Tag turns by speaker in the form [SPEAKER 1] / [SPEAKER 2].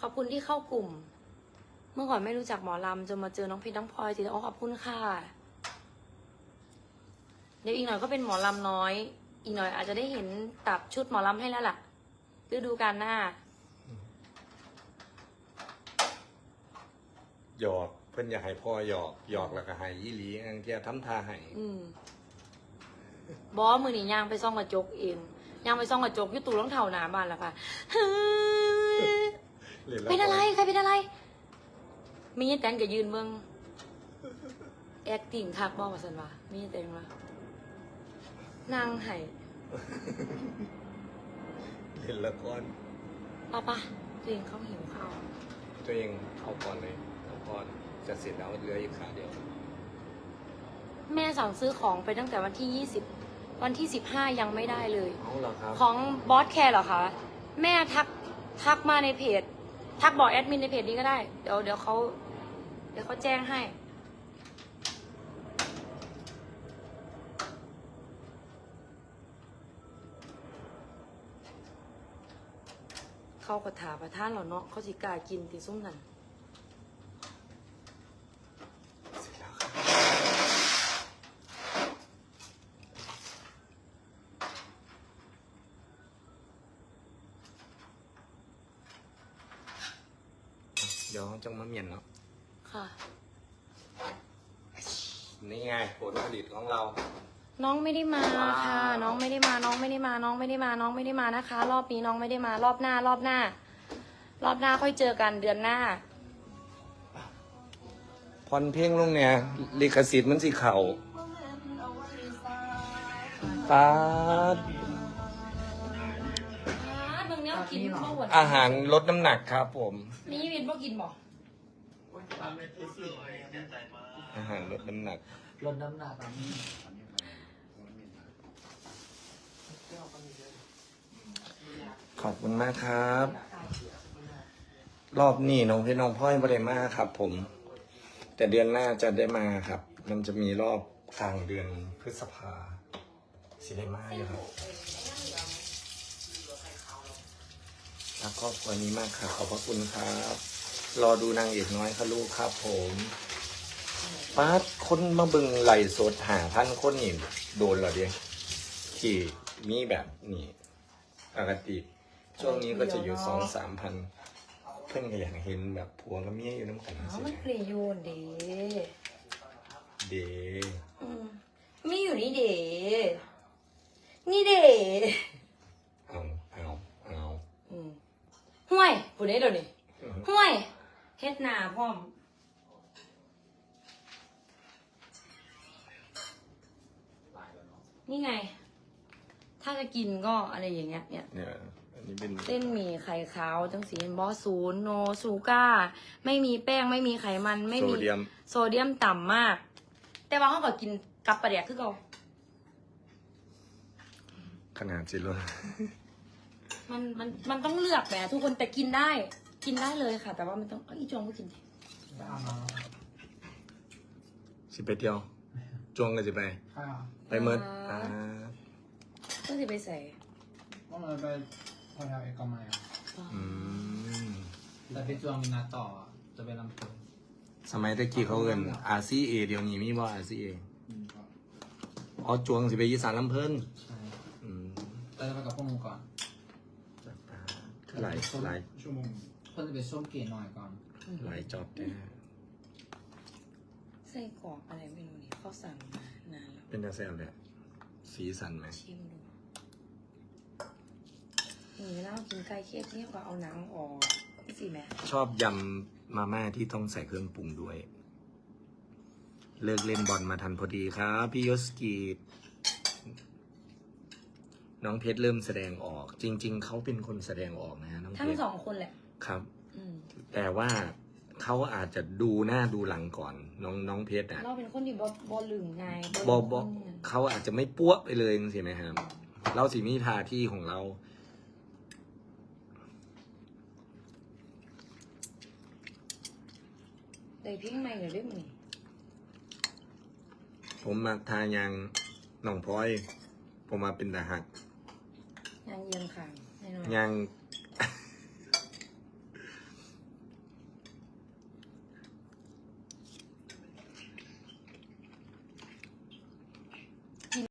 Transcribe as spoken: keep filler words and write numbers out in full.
[SPEAKER 1] ขอบคุณที่เข้ากลุ่ม เมื่อก่อนไม่รู้จักหมอลำจนมาเจอน้องเพชรน้องพลอยติดอ๋อขอบคุณค่ะเดี๋ยวอีกหน่อยก็เป็นหมอลำน้อย อีกหน่อยอาจจะได้เห็นตับชุดหมอลำให้แล้วล่ะฤดูกาลหน้า
[SPEAKER 2] หยอกเพื่อนอยากให้พ่อหยอกหยอกแล้วก็ให้ยี่หลีอังเกียทำท่าให้
[SPEAKER 1] อืมบอสมือนี่ย่างไปซ่องกระจกเองย่างไปซ่องกระจกยุตู่รองเท้าหนาบ้านแล้วค่ะเป็นอะไรใครเป็นอะไรมีแตงกับยืนเมืองแอคติ้งคักบอมาสันวะมีแตงวะนางไห่
[SPEAKER 2] เห็นแล้วก่อน
[SPEAKER 1] ป้าป้าตัวเองเขาหิวข้าว
[SPEAKER 2] ตัวเองเอาก่อนเลยเอาก่อนจะเสร็จแล้วเหลืออีกขาเดียว
[SPEAKER 1] แม่สั่งซื้อของไปตั้งแต่วันที่ยี่สิบวันที่สิบห้ายังไม่ได้เลย
[SPEAKER 2] เอาเหรอครับ
[SPEAKER 1] ของบอสแคร์เหรอคะแม่ทักทักมาในเพจทักบอกแอดมินในเพจนี้ก็ได้เดี๋ยวเดี๋ยวเขาเดี๋ยวเขาแจ้งให้เขาก็ถาประทานเหรอเนาะเขาสิกล้ากินติส้มนั่น
[SPEAKER 2] เสร็จแล้วครับเดี๋ยวจังมาเมียนเนาะ
[SPEAKER 1] ค่ะ
[SPEAKER 2] นี่ไงผลผลิตของเรา
[SPEAKER 1] น้องไม่ได้มาค่ะน้องไม่ได้มาน้องไม่ได้มาน้องไม่ได้มาน้องไม่ได้มานะคะ รอบนี้น้องไม่ได้มารอบหน้ารอบหน้ารอบหน้าค่อยเจอกันเดือนหน้า
[SPEAKER 2] พรเพลงลงเนี่ยลิขสิทธิ์มันสิเข่าปาดอาหารลดน้ำหนักครับผม
[SPEAKER 1] นี่วินบ่กินบ่
[SPEAKER 2] อาหารลดน้ำหนัก
[SPEAKER 3] ลดน้ำหนักนี้
[SPEAKER 2] ขอบคุณมากครับ รอบนี้น้องพี่น้องพ่อยไม่ได้มาครับผมแต่เดือนหน้าจะได้มาครับมันจะมีรอบกลางเดือนพฤษภาสิได้มาอยู่ครับรักครอบครัวนี้มากค่ะขอบพระคุณครับรอดูนางเอกน้อยค่ะลูกครับผมป้าคนมาบึงไหลสดหาพันคนนี่โดนเหรอเดียที่มีแบบนี้ปกติช่วงนี้ก็จะอยู่สองสามพันเพื่อนก็อยากเห็นแบบผัวกับเมียอยู่น้ำกัน
[SPEAKER 1] สิมันเกลียโยนเด
[SPEAKER 2] เด
[SPEAKER 1] มีอยู่นี่เดนี่เด
[SPEAKER 2] เอาเอาเอา
[SPEAKER 1] ห่วยผู้ใดเดี๋ยวนี้ห่วยเฮ็ดหน้าพร้อมนี่ไงถ้าจะกินก็อะไรอย่างเงี้ยเนี่ย
[SPEAKER 2] อันนี้เป็น
[SPEAKER 1] เส้นหมี่ไข่ขาวจังสีบอสศูนย์โนซูก้าไม่มีแป้งไม่มีไขมันไม่มีโซเดียมต่ำมากแต่ว่าเขาก็กินกับปลาแดกคือเขา
[SPEAKER 2] ขนาดจิโร่
[SPEAKER 1] มันมันมันต้องเลือกแบบทุกคนแต่กินได้กินได้เลยค่ะแต่ว่ามันต้องเอ้ยจงก็กิน
[SPEAKER 2] สิไปเที่ยวจวงกันสิไปไปเมิดอ่า
[SPEAKER 1] ก็สิไปใส่
[SPEAKER 3] ต้องเลยไปพอแถวเอกมัย
[SPEAKER 2] อืม
[SPEAKER 3] แต่ไปจวงมีนัดต่อจะไปลำพูน
[SPEAKER 2] สมัยตะกี้เขาเอิ้น อาร์ ซี เอ เดี๋ยวนี้มีบ่ อาร์ ซี เอ อ๋อจวงสิไปอีสานลำเพิ่น
[SPEAKER 3] ใช่อืมแต่จะไปกับพวกมึงก่อน
[SPEAKER 2] หลายหลาย
[SPEAKER 3] ชั่วโมงเพิ่นจะไปส้มเกลี่ยหน่อยก่อน
[SPEAKER 2] หลายจอบแท้
[SPEAKER 1] ไส้กรอกอะไรไม่รู้นี่เขาสั่งมานานแล้ว
[SPEAKER 2] เป็นตาแซ่บเลยสีสันไหม
[SPEAKER 1] ชิมดูนี่แล้วกินไก่เคี่ยวที่เขาเอาหนังออกสิแม่
[SPEAKER 2] ชอบยำมาม่าที่ต้องใส่เครื่องปรุงด้วยเลิกเล่นบอลมาทันพอดีครับพี่ยศกีน้องเพชรเริ่มแสดงออกจริงๆเขาเป็นคนแสดงออกนะน้องเพชร
[SPEAKER 1] ทั้งสองคนแหละ
[SPEAKER 2] ครับแต่ว่าเขาอาจจะดูหน้าดูหลังก่อนน้องน้องเพชรอ่ะ
[SPEAKER 1] เราเป็นคนที่บอบอลืมไง
[SPEAKER 2] บอบอเขาอาจจะไม่ปั้วไปเลยใช่ไหมครับเราสิมีทาที่ของเรา
[SPEAKER 1] ได้เพียงใหม่หรือเรื่องนี้
[SPEAKER 2] ผมมาทายางหนองพลอยผมมาเป็นทหาร
[SPEAKER 1] ยางเยียงค่ะ
[SPEAKER 2] ยาง